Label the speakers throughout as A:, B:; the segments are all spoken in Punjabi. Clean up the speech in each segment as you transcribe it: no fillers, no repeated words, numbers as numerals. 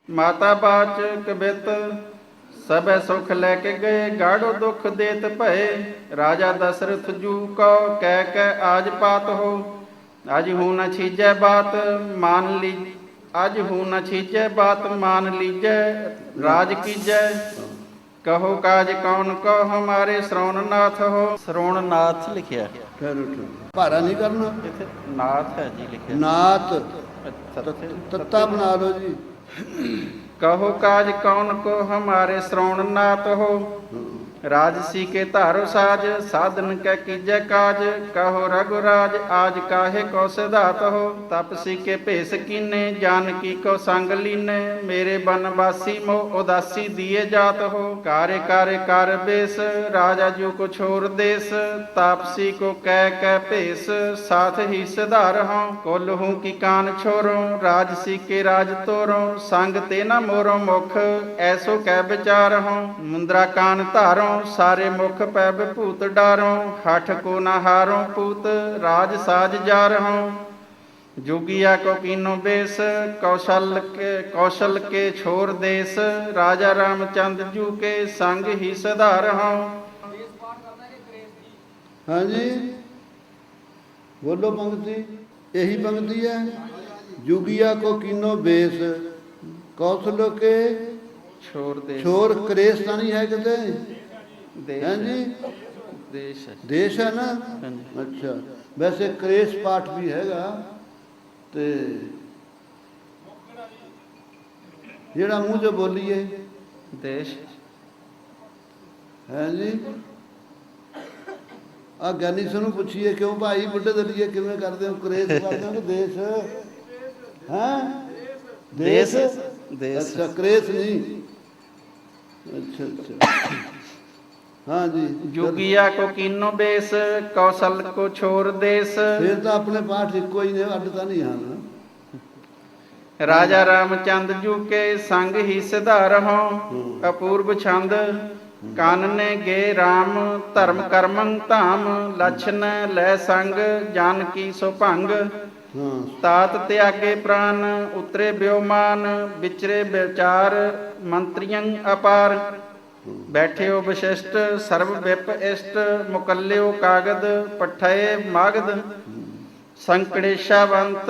A: ਮਾਤਾ ਬਾਚ ਕਬਿਤ ਸਭੈ ਸੁਖ ਲੈ ਕੇ ਗਏ, ਗਾੜੋ ਦੁਖ ਦੇਤ ਭਏ। ਰਾਜਾ ਦਸ਼ਰਥ ਜੂ ਕਉ ਕਹਿ ਕੈ ਆਜ ਪਾਤ ਹੋ। ਅਜ ਹੂੰ ਨ ਛੀਜੈ ਬਾਤ ਮਾਨ ਲੀ, ਅਜ ਹੂੰ ਨ ਛੀਜੈ ਬਾਤ ਮਾਨ ਲੀਜੈ। ਰਾਜ ਕੀਜੈ ਕਹੋ ਕਾਜ ਕੌਣ ਕੋ, ਹਮਾਰੇ ਸ਼੍ਰਵਣਨਾਥ ਹੋ। ਸ਼੍ਰਵਣਨਾਥ ਲਿਖਿਆ,
B: ਭਾਰਾ ਨਹੀਂ ਕਰਨਾ,
A: ਇੱਥੇ ਨਾਥ ਹੈ ਜੀ ਲਿਖਿਆ।
B: ਨਾਤ
A: ਅੱਛਾ,
B: ਤੱਤਾ ਬਣਾ ਲਓ ਜੀ।
A: ਕਹੋ ਕਾਜ ਕੌਣ ਕੋ, ਹਮਾਰੇ ਸ਼੍ਰਵਣਨਾਥ ਹੋ। ਰਾਜਸੀ ਕੇ ਧਾਰੋ ਸਾਜ, ਸਾਧਨ ਕੈ ਕੀਜੈ ਕਾਜ। ਕਹੋ ਰਘੁਰਾਜ ਆਜ ਕਾਹੇ ਕੋ ਸਿਧਾਤ ਹੋ। ਤਪਸੀ ਕੇ ਭੇਸ ਕੀਨੇ, ਜਾਨਕੀ ਕੋ ਸੰਗ ਲੀਨੇ। ਮੇਰੇ ਬਨਵਾਸੀ ਮੋ ਉਦਾਸੀ ਦੀਏ ਜਾਤ ਹੋ। ਕਾਰੇ ਕਾਰੇ ਕਰ ਬੇਸ, ਰਾਜਾ ਜੂ ਕੋ ਛੋਰ ਦੇਸ। ਤਾਪਸੀ ਕੋ ਕਹਿ ਕੈ ਭੇਸ, ਸਾਥ ਹੀ ਸਿਧਾਰ ਹਾਂ। ਕੁਲ ਹੂੰ ਕੀ ਕਾਨ ਛੋਰੋ, ਰਾਜਸੀ ਕੇ ਰਾਜ ਤੋਰੋ। ਸੰਗ ਤੇ ਨਾ ਮੋਰੋ ਮੁਖ, ਐਸੋ ਕਹਿ ਵਿਚਾਰ ਹਾਂ। ਮੁੰਦਰਾ ਕਾਨ ਧਾਰੋ, ਸਾਰੇ ਮੁਖ ਪੈ ਵਿਭੂਤ ਡਾਰੋ। ਹਠ ਕੋ ਨਾ ਹਾਰੋ ਪੂਤ, ਰਾਜ ਸਾਜ ਜਾ ਰਹਾ। ਜੋਗੀਆ ਕੋ ਕੀਨੋ ਬੇਸ, ਕੌਸ਼ਲ ਕੇ ਛੋਰ ਦੇਸ। ਰਾਜਾ ਰਾਮਚੰਦ ਜੂ ਕੇ ਸੰਗ ਹੀ ਸਧਾਰ ਹਾਂ।
B: ਹਾਂਜੀ ਬੋਲੋ ਪੰਕਤੀ, ਇਹੀ ਪੰਕਤੀ ਹੈ। ਜੁਗੀਆ ਕੋ ਕੀਨੋ ਬੇਸ, ਕੌਸ਼ਲ ਕੇ
A: ਛੋਰ ਦੇਸ।
B: ਛੋਰ ਕ੍ਰੇਸ ਤਾਂ ਨਹੀਂ ਹੈ ਕਿਤੇ?
A: ਹਾਂਜੀ ਦੇਸ਼ ਹੈ,
B: ਦੇਸ਼ ਹੈ ਨਾ।
A: ਹਾਂਜੀ।
B: ਅੱਛਾ, ਵੈਸੇ ਕ੍ਰੇਸ ਪਾਠ ਵੀ ਹੈਗਾ, ਤੇ ਜਿਹੜਾ ਮੂੰਹ 'ਚੋਂ ਬੋਲੀਏ
A: ਦੇਸ਼
B: ਹੈ ਜੀ। ਆ ਗਿਆਨੀ ਸਾਨੂੰ ਪੁੱਛੀਏ, ਕਿਉਂ ਭਾਈ ਬੁੱਢੇ ਦਲੀਏ ਕਿਵੇਂ ਕਰਦੇ ਹੋ, ਕ੍ਰੇਸ ਕਰਦੇ ਹੋ ਕਿ ਦੇਸ਼ ਹੈ? ਦੇਸ਼
A: ਦੇਸ਼।
B: ਅੱਛਾ, ਕ੍ਰੇਸ ਨਹੀਂ। ਅੱਛਾ ਅੱਛਾ, हाँ जी।
A: ਜੋਗੀਆ ਕੋ ਕੀਨੋ ਬੇਸ, ਕੌਸ਼ਲ ਕੋ ਛੋਰ ਦੇਸ।
B: ਫਿਰ ਤਾਂ ਆਪਣੇ ਪਾਠ ਇੱਕੋ ਹੀ ਨੇ, ਅੱਡ ਤਾਂ ਨਹੀਂ ਹਨ।
A: ਰਾਜਾ ਰਾਮਚੰਦ ਜੂ ਕੇ ਸੰਗ ਹੀ ਸਿਧਾਰ ਹਾਂ। ਅਪੂਰਬ ਛੰਦ ਕਾਨਨੇ ਗੇ ਰਾਮ, ਧਰਮ ਕਰਮੰ ਧਾਮ। ਲਛਨ ਲੈ ਸੰਗ, ਜਾਨਕੀ ਸੋ ਭੰਗ। ਤਾਤ ਤਿਆਗੇ ਪ੍ਰਾਨ, ਉਤਰੇ ਬਿਉਮਾਨ। ਵਿਚਰੇ ਵਿਚਾਰ, ਮੰਤਰੀਆਂ ਅਪਾਰ। ਬੈਠਿਓ ਵਸ਼ਿਸ਼ਟ, ਸਰਬ ਵਿਪ ਇਸ਼ਟ। ਮੁਕੱਲਿਓ ਕਾਗਦ, ਪਠਏ ਮਾਗਧ। ਸੰਕੜੇ ਸਾਵੰਤ,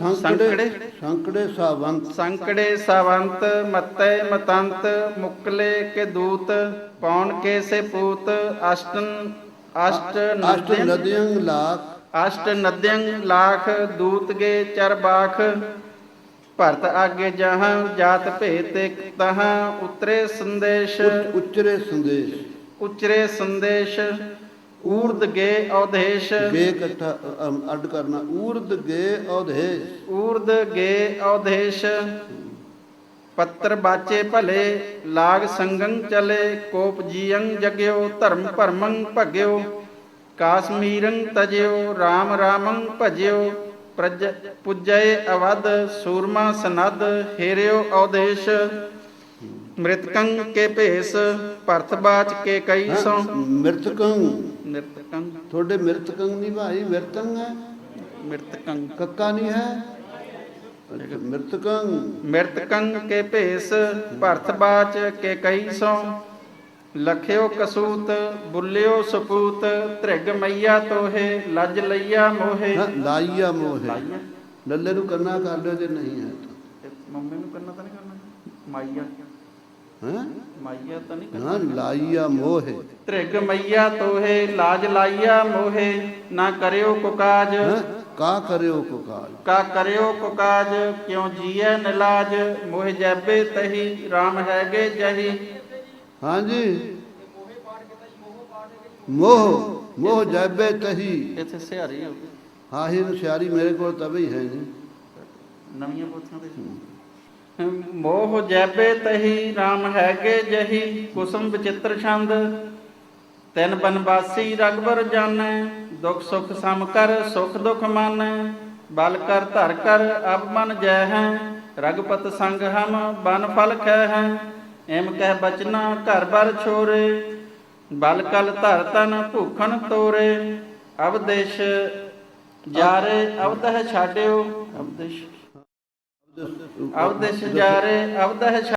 A: ਸੰਕੜੇ ਸਾਵੰਤ। ਮਤੈ ਮਤੰਤ, ਮੁਕਲੇ ਕੇ ਦੂਤ। ਪੌਣ ਕੇ ਸੇ ਪੂਤ, ਅਸ਼ਟ ਨਦਯੰ ਲਾਖ। ਅਸ਼ਟ ਨਦਯੰ ਲਾਖ, ਦੂਤ ਗੇ ਚਰ ਬਾਖ। ਭਰਤ ਆਗੇ ਜਹਾਂ, ਜਾਤ ਭੇਤ ਇਕ ਤਹਾਂ। ਉਤਰੇ ਸੰਦੇਸ਼,
B: ਉਚਰੇ ਸੰਦੇਸ਼,
A: ਉਚਰੇ ਸੰਦੇਸ਼। ਊਰਦ ਗੇ ਅਵਧੇਸ਼,
B: ਗੇ ਇਕੱਠਾ ਅੱਡ ਕਰਨਾ। ਊਰਦ ਗੇ ਅਵਧੇਸ਼,
A: ਊਰਦ ਗੇ ਅਵਧੇਸ਼। ਪੱਤਰ ਬਾਚੇ ਭਲੇ, ਲਾਗ ਸੰਗੰ ਚਲੇ। ਕੋਪ ਜੀਅੰ ਜਗਿਓ, ਧਰਮ ਭਰਮੰ ਭਗਿਓ। ਕਾਸ਼ਮੀਰੰ ਤਜਿਓ, ਰਾਮ ਰਾਮੰ ਭਜਿਓ। ਪੁੱਜੈ ਅਵਧ, ਸੂਰਮਾ ਸਨਦ। ਹੇਰਿਓ ਅਵਧੇਸ਼, ਮ੍ਰਿਤਕੰ ਕੇ ਭੇਸ। ਭਰਤ ਬਾਚ ਕੇ ਕਈ ਸੋ।
B: ਮ੍ਰਿਤਕੰ,
A: ਮ੍ਰਿਤਕੰ
B: ਤੁਹਾਡੇ ਮ੍ਰਿਤਕੰ ਨਹੀਂ ਭਾਈ, ਮ੍ਰਿਤੰ ਹੈ।
A: ਮ੍ਰਿਤਕੰ
B: ਕੱਕਾ ਨਹੀਂ ਹੈ। ਮ੍ਰਿਤਕੰ,
A: ਮ੍ਰਿਤਕੰ ਕੇ ਭੇਸ। ਭਰਤ ਬਾਚ ਕੇ ਕਈ ਸੋ। ਲਖਿਓ ਕਸੂਤ, ਬੁੱਲਿਓ ਸਪੂਤ। ਧ੍ਰਿਗ ਮਈਆ ਤੋਹੇ, ਲੱਜ ਲਈਆ ਮੋਹੇ।
B: ਲਾਈਆ ਮੋਹੇ, ਲੱਲੇ ਨੂੰ ਕੰਨਾ ਕਰ ਲਿਓ ਜੇ ਨਹੀਂ ਹੈ ਤਾਂ।
A: ਮੰਮੀ ਨੂੰ ਕਰਨਾ ਤਾਂ ਨਹੀਂ ਕਰਨਾ, ਮਾਈਆ
B: ਹੈ
A: ਮਾਈਆ ਤਾਂ ਨਹੀਂ ਕਰਨਾ।
B: ਹਾਂ, ਲਾਈਆ ਮੋਹੇ।
A: ਧ੍ਰਿਗ ਮਈਆ ਤੋਹੇ, ਲਾਜ ਲਾਈਆ ਮੋਹੇ। ਨਾ ਕਰਿਓ ਕੋ ਕਾਜ,
B: ਕਾ ਕਰਿਓ ਕੋ ਕਾਜ।
A: ਕਾ ਕਰਿਓ ਕੋ ਕਾਜ, ਕਿਉ ਜੀਐ ਨਿਲਾਜ। ਮੋਹ ਜੈਬੇ ਤਹੀ, ਰਾਮ ਹੈਗੇ ਜਹੀ।
B: ਹਾਂਜੀ, ਮੋਹ ਮੋਹ ਜੈਬੇ ਤਹੀ।
A: ਇੱਥੇ ਸਿਹਾਰੀ ਹੋ ਗਈ,
B: ਹਾਹੀ ਨੂੰ ਸਿਆਰੀ ਮੇਰੇ ਕੋਲ ਤਾਂ ਵੀ ਹੈ ਨਹੀਂ।
A: ਨਵੀਆਂ ਪੋਥੀਆਂ ਦੇ। ਮੋਹ ਜੈਬੇ ਤਹੀ, ਰਾਮ ਹੈਗੇ ਜਹੀ। ਕੁਸਮ ਵਿਚਿਤ੍ਰ ਛੰਦ ਤਿਨ ਬਨਵਾਸੀ, ਰਗਬਰ ਜਾਣੈ। ਦੁਖ ਸੁਖ ਸਮ ਕਰ, ਸੁਖ ਦੁਖ ਮਾਨੈ। ਬਲ ਕਰ ਧਰ ਕਰ, ਅਬ ਮਨ ਜੈ ਹੈ। ਰਗਪਤ ਸੰਗ ਹਮ, ਬਨ ਫਲ ਖੈ ਹੈ। ਇਮ ਕਹਿ ਬਚਨਾ, ਘਰ ਬਰ ਛੋਰੇ। ਬਲ ਕਲ ਧਰ ਤਨ, ਭੂਖਣ ਤੋਰੇ। ਅਵਦੇਸ਼ ਜਾਰੇ, ਅਵਦਹ ਛਾਡਿਓ। ਅਵਦੇਸ਼ ਅਵਦਿ ਸੰਜਾਰੇ ਅਵਦਹ